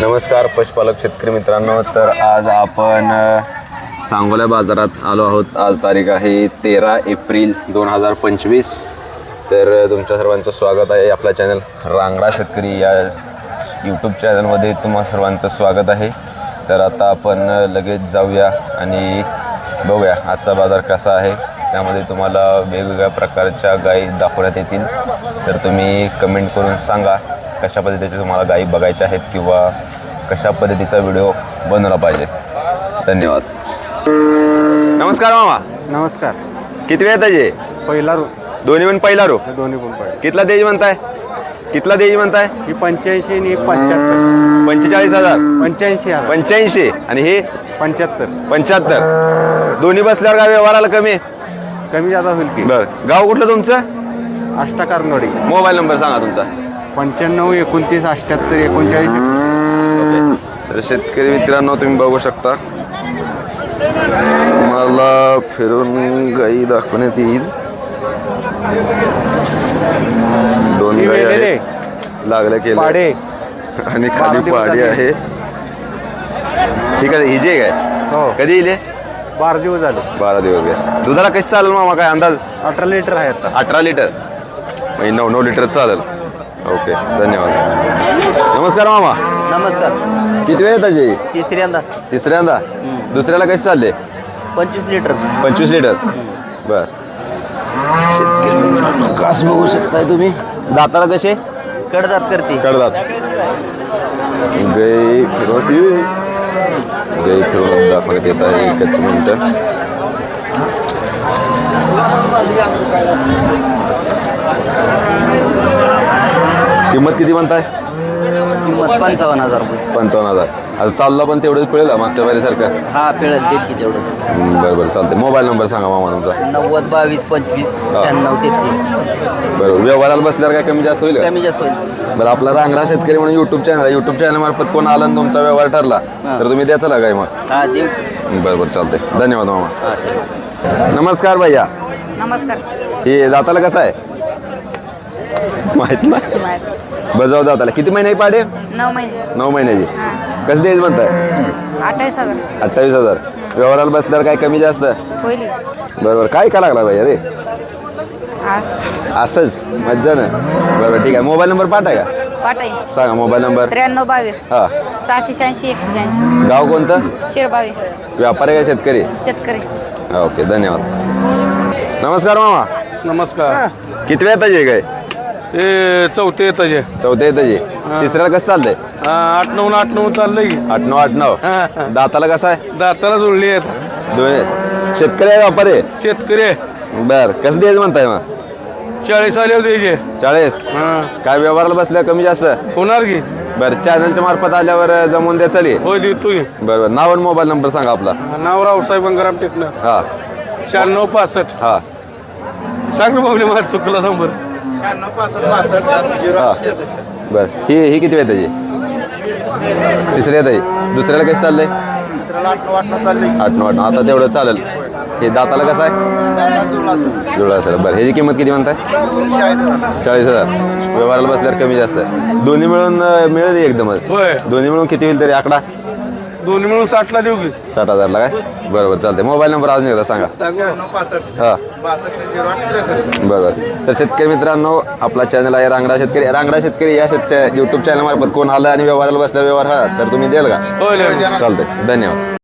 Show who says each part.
Speaker 1: नमस्कार पशुपालक शेतकरी मित्रांनो. तर आज आपण सांगोला बाजारात आलो आहोत. आज तारीख आहे 13 एप्रिल 2025. तर तुमच्या सर्वांचं स्वागत आहे आपल्या चॅनल रांगडा शेतकरी या यूट्यूब चॅनलमध्ये. तुम्हा सर्वांचं स्वागत आहे. तर आता आपण लगेच जाऊया आणि बघूया आजचा बाजार कसा आहे. त्यामध्ये तुम्हाला वेगवेगळ्या प्रकारच्या गायी दाखवण्यात येतील. तर तुम्ही कमेंट करून सांगा कशा पद्धतीचे तुम्हाला गायी बघायच्या आहेत किंवा कशा पद्धतीचा व्हिडिओ बनवला पाहिजे. धन्यवाद. नमस्कार मामा.
Speaker 2: नमस्कार.
Speaker 1: किती वेळ त्याचे?
Speaker 2: पहिला रो.
Speaker 1: दोन्ही पण पहिला रो.
Speaker 2: दोन्ही पण पहिला.
Speaker 1: कितला द्यायची म्हणताय? कितला द्यायची म्हणताय?
Speaker 2: ही 85 आणि 75.
Speaker 1: 45,000.
Speaker 2: 85,000.
Speaker 1: 85 आणि हे
Speaker 2: 75.
Speaker 1: 75. दोन्ही बसल्यावर काय व्यवहाराला कमी?
Speaker 2: कमी जादा होईल की.
Speaker 1: बरं. गाव कुठलं तुमचं?
Speaker 2: अष्टाकारनोडी.
Speaker 1: मोबाईल नंबर सांगा तुमचा.
Speaker 2: 95 29 78 39.
Speaker 1: तर शेतकरी मित्रांनो तुम्ही बघू शकता. मला फिरून गाई दाखवण्यात येईल. दोन गाई आहेत लागल्या केले
Speaker 2: पाडे
Speaker 1: आणि खाली पाडी आहे. ठीक आहे. हिजे काय
Speaker 2: हो.
Speaker 1: कधी येईल?
Speaker 2: 12 दिवस झाले.
Speaker 1: 12 दिवस घ्या. दुधाला कशी चालेल मामा? काय अंदाज?
Speaker 2: 18 लिटर आहे आता.
Speaker 1: 18 लिटर म्हणजे 9 लिटर चालेल. ओके धन्यवाद. नमस्कार मामा.
Speaker 2: नमस्कार.
Speaker 1: किती वेळ त्याची?
Speaker 2: तिसऱ्यांदा.
Speaker 1: तिसऱ्यांदा. दुसऱ्याला कशी चालले?
Speaker 2: 25 लिटर.
Speaker 1: 25 लिटर. बर. शेतकरी मित्रांनो कास बघू शकताय तुम्ही. दाताला कसे?
Speaker 2: कडदात करते.
Speaker 1: कडदात. गाई फिरवती. गाई फिरवून दाखवण्यात येत आहे. एकच मिनिट. किंमत किती म्हणताय?
Speaker 2: किंमत 55,000 रुपये.
Speaker 1: 55,000. आता चालला पण तेवढंच पिळेल मागच्या बारीसारखं?
Speaker 2: हा पिळत देत की तेवढं.
Speaker 1: बरं बरं चालते. मोबाईल नंबर सांगा मामा तुमचा.
Speaker 2: 90 22 25 96 33.
Speaker 1: बरोबर. व्यवहाराला बसल्यावर काय कमी जास्त होईल का?
Speaker 2: कमी जास्त होईल.
Speaker 1: बरं. आपला रांगडा शेतकरी म्हणून यूट्यूब चॅनल आहे. यूट्यूब चॅनलमार्फत कोण आला आणि तुमचा व्यवहार ठरला तर तुम्ही द्याचा काय मग?
Speaker 2: हा देऊ.
Speaker 1: बरं बरं चालते. धन्यवाद मामा.
Speaker 2: हा ठीक.
Speaker 1: नमस्कार भैया.
Speaker 3: नमस्कार.
Speaker 1: हे दाताला कसं आहे? माहित नाही. बजाव दाताला किती महिने पाडे?
Speaker 3: 9 महिने.
Speaker 1: 9 महिन्याची.
Speaker 3: हां.
Speaker 1: कसं द्यायचं म्हणताय?
Speaker 3: 28,000
Speaker 1: 28,000. व्यवहाराला बसल्यावर काय कमी जास्त?
Speaker 3: होईल.
Speaker 1: बरोबर. काय का लागला भैया रे?
Speaker 3: आज
Speaker 1: असंच मज्जा ना. बरोबर ठीक आहे. मोबाईल नंबर पाठाय का?
Speaker 3: पाटाई
Speaker 1: सांगा मोबाईल नंबर.
Speaker 3: 93 22
Speaker 1: हां.
Speaker 3: 686 186.
Speaker 1: गाव कोणतं?
Speaker 3: शिरबावी.
Speaker 1: व्यापारी का शेतकरी?
Speaker 3: शेतकरी.
Speaker 1: ओके धन्यवाद. नमस्कार मामा.
Speaker 2: नमस्कार.
Speaker 1: किती वेळ येताचे काय?
Speaker 2: हे चौथे येताचे.
Speaker 1: चौथ्या येताचे. तिसऱ्याला कसं चाललंय?
Speaker 2: 8-9 चाललंय की.
Speaker 1: 8-9 दाताला कसं आहे?
Speaker 2: दाताला जुळली आहेत.
Speaker 1: दोन शेतकरी आहे व्यापारी आहे?
Speaker 2: शेतकरी
Speaker 1: बर. कसं द्यायचं म्हणताय मग?
Speaker 2: 40 आले होते.
Speaker 1: 40. काय व्यवहाराला बसल्या कमी जास्त
Speaker 2: होणार की.
Speaker 1: बरं. चॅनलच्या मार्फत आल्यावर जमून द्या चालेल.
Speaker 2: होय देतो की.
Speaker 1: बरोबर. नाव आणि मोबाईल नंबर सांगा आपला.
Speaker 2: नाव रावसाहेब गंगाराम टेकणं.
Speaker 1: हां
Speaker 2: 96 65.
Speaker 1: हां
Speaker 2: सांग ना बाबले मला चुकला नंबर.
Speaker 1: हां. बरं. ही किती वेळ त्याची? तिसरी येत आहे. दुसऱ्याला कसं चाललंय? 8-9. आता तेवढं चालेल. हे दाताला कसं आहे? जुळा असेल. बरं. ह्याची किंमत किती म्हणताय? 40,000. व्यवहाराला बसल्यावर कमी जास्त. दोन्ही मिळून मिळेल एकदमच?
Speaker 2: होय.
Speaker 1: दोन्ही मिळून किती होईल तरी आकडा?
Speaker 2: दोन्ही मिळून 60 ला देऊ की.
Speaker 1: 60,000ला काय? बरोबर चालते. मोबाईल नंबर अजून एकदा सांगा. हां बरोबर. तर शेतकरी मित्रांनो आपला चॅनल आहे रांगडा शेतकरी. रांगडा शेतकरी या यूट्यूब चॅनलमार्फत कोण आलं आणि व्यवहाराला बसल्या व्यवहार हा तर तुम्ही द्याल का?
Speaker 2: होय.
Speaker 1: चालतंय. धन्यवाद.